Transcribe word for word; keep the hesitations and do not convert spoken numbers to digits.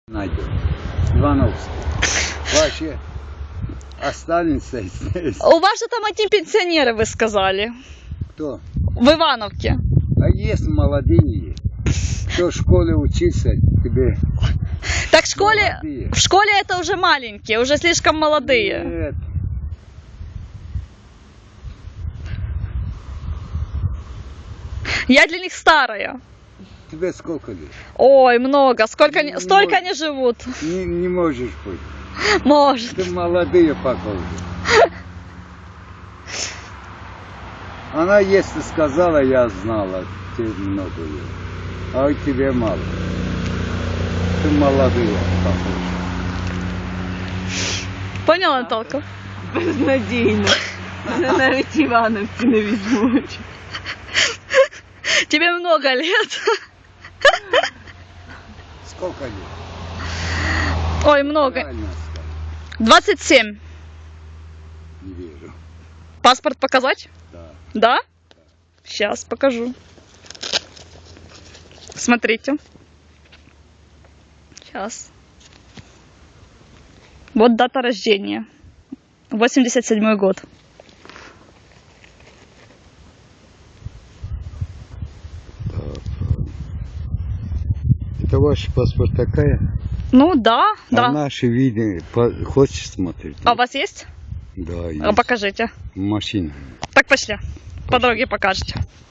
Найдем. Ивановский. Вообще останется здесь. У вас же там одни пенсионеры, вы сказали. Кто? В Ивановке. А есть молодые, кто в школе учился, тебе. Так в школе, Молодые. в школе это уже маленькие, уже слишком молодые. Нет. Я для них старая. Тебе сколько лет? Ой, много. Сколько Не не, столько мож- не живут. Не, не можешь быть. Может. Ты молодые похожи. Она если сказала, я знала, тебе много лет. А у тебя мало. Ты молодые похожи. Поняла, Наталка? Безнадійно. Мене навіть Івановці не візьмуть. Тебе много лет. Сколько лет? Ой, много. Правильно сказал. двадцать семь. Не верю. Паспорт показать? Да. Да? Сейчас покажу. Смотрите. Сейчас. Вот дата рождения. восемьдесят седьмой год. Это ваш паспорт такая? Ну да, да. А наши виды по- хочешь смотреть? А у вас есть? Да, А есть. покажите. Машина. Так пошли. По дороге покажете.